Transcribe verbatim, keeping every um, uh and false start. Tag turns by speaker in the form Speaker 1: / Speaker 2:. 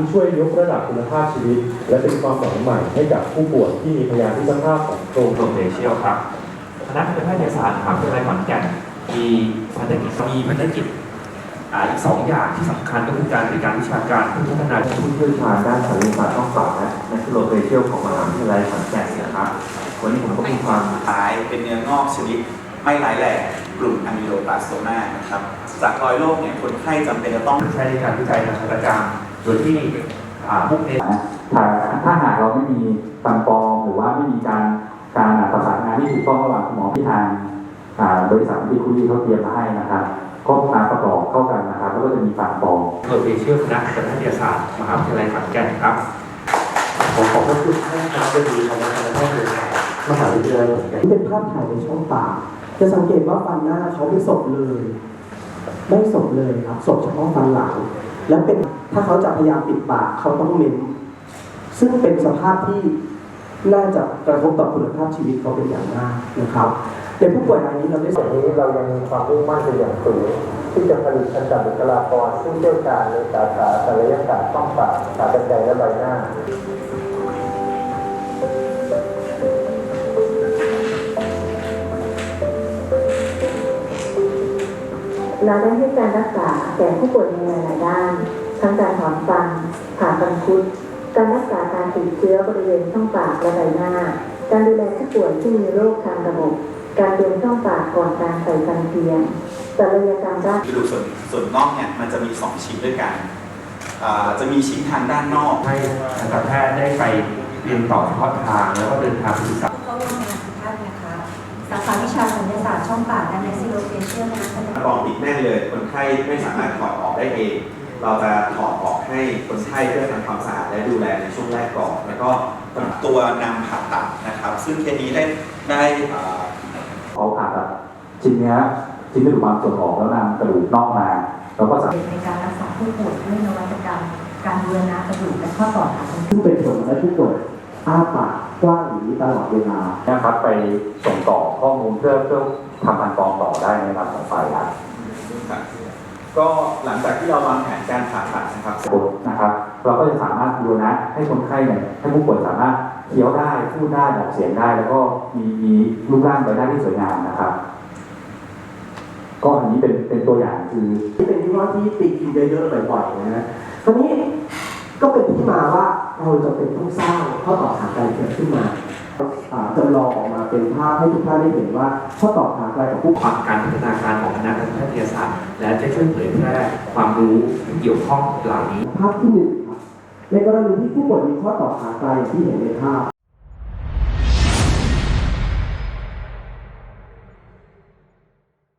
Speaker 1: ที่ช่วยยกระดับคุณภาพชีวิตและเป็นความหวังใหม่ให้กับผู้ป่วยที่มีพยาธิสภาพของโครง
Speaker 2: โรเดเชียลครับคณะแพทยศาสตร์มหาวิทยาลัยขอนแก่นมีภารกิจมีภารกิจอีกสองอย่างที่สำคัญก็คือการบริการวิชาการเพื่อพัฒนาผู้เชี่ยวชาญด้านศัลยศาสตร์ช่องปากและนักโรเดเชียลของมหาวิทยาลัยขอนแก่นนะครับวันนี้ผมก็มีความ
Speaker 3: ตายเป็นเนื้องอกชนิดไม่ร้ายแรงกลุ่มอะมิโลบลาสโตมานะครับจากรอยโรคเนี่ยคนไข้จำเป็นจะต้อง
Speaker 2: ใช้ในการวิจัยทางการการโดยที่มุ่งเน้น
Speaker 4: ถ้าถ้าหากเราไม่มีฟันปลอมหรือว่าไม่มีการการประสานงานที่ถูกต้องระหว่างคุณหมอที่ทางบริษัทที่คุยเขาเตรียมมาให้นะครับก็มาประกอบเข้ากันนะครับแล้วก็จะมีฟันปลอม
Speaker 2: โรเดเชียลคณะแพทยศาสตร์มหาวิทยาลัยขอนแก่นครับ
Speaker 1: ผมขอบพระคุณท่านคณะบดีคณะแพทยศาสตร์มหาวิทยาลัยขอนแก่น
Speaker 5: นี่เป็นภาพถ่ายในช่องปากจะสังเกตว่าฟันหน้าเขาไม่สบเลยไม่สบเลยครับสบเฉพาะฟันหลังและเป็นถ้าเขาจะพยายามปิดปากเขาต้องเม้มซึ่งเป็นสภาพที่น่าจะกระทบต่อคุณภาพชีวิตเขาเป็นอย่างมากนะครับในผู้ป่วยรายนี้เราได้
Speaker 1: ส่วนนี้เรายังมีความมุ่งมั่นเป็นอย่างสูงที่จะผลิตอันดับบุคลากรซึ่งเชี่ยวชาญในสาขาศัลยศาสตร์ช่องปากสาขาใจและใบหน้า
Speaker 6: เราได้ให้การรักษาแก่ผู้ป่วยในหลายๆด้าน ทั้งการถอนฟัน ผ่าฟันคุด การรักษาการติดเชื้อบริเวณช่องปากและใบหน้า การดูแลผู้ป่วยที่มีโรคทางระบบ การเตรียมช่องปากก่อนการใส่ฟันเทียมศัลยกรรมด้าน
Speaker 3: กระดูกส่วนส่วนนอกเนี่ยมันจะมีสองชิ้นด้วยกันจะมีชิ้นทางด้านนอก
Speaker 2: ให้ทันตแพทย์ได้ไปเรียนต่อเฉพาะทางแล้วก็เดินทางไปศึกษา
Speaker 7: เข้าร่วมงานทุกท่านนะคะสาขาวิชาศัลยศาสตร์ช่องปากและแมซิโลเฟเชียลนะคะ
Speaker 3: กรองติดแน่นเลยคนไข้ไม่สามารถถอดออกได้เองเราจะถอดออกให้คนไข้เพื่อทำความสะอาดและดูแลในช่วงแรกก่อนแล้วก็ตัวนำผ่าตัดนะครับซึ่งเคสนี้ได้ได้
Speaker 4: เขาผ่าตัดชิ้นเนื้อชิ้นกระดูกบางส่วนออกแล้วนำกระดูกนอกมาแล้วก็สามารถ
Speaker 7: ในการรักษาผู้ป่วยด้วยนวัตกรรมการบูรณะกระดูกและข้อต่อขา
Speaker 5: ซึ่งเป็นผลและผู้ป่วยอ้าปากกว้างอย่างนี้ตลอดเวลา
Speaker 4: นะครับไปส่งต่อข้อมูลเพื่อเพื่อทำพันกรองต่อได้ในระดับของฝ่ายครับ
Speaker 3: ก็หลังจากที่เราวางแผนการผ่าตัดนะครับ
Speaker 4: นะครับ เราก็จะสามารถบูรณะให้คนไข้เนี่ยให้ผู้ป่วยสามารถเคี้ยวได้พูดได้ออกเสียงได้ แล้วก็มีมีรูปร่างใบหน้าที่สวยงามนะครับ ก็อันนี้เป็นเป็นตัวอย่างคือ
Speaker 5: ที่เป็นที่ว่าที่ติดกินเยอะๆบ่อยๆนะฮะคราวนี้ก็เป็นที่มาว่าเราจะเป็นต้องสร้างข้อต่อขาไกลเกิดขึ้นมาจำลองออกมาเป็นภาพให้ทุกท่านได้เห็นว่าข้อต่อขาไกลกับผู้
Speaker 2: ความการพัฒนาการของคณะแพทยศาสตร์และจะช่วยเผยแพร่ความรู้ที่เกี่ยวข้องเหล่านี้
Speaker 5: ภาพที่หนึ่งครับในกรณีที่ผู้ป่วยมีข้อต่อขาไกลอย่างที่เห็นในภาพ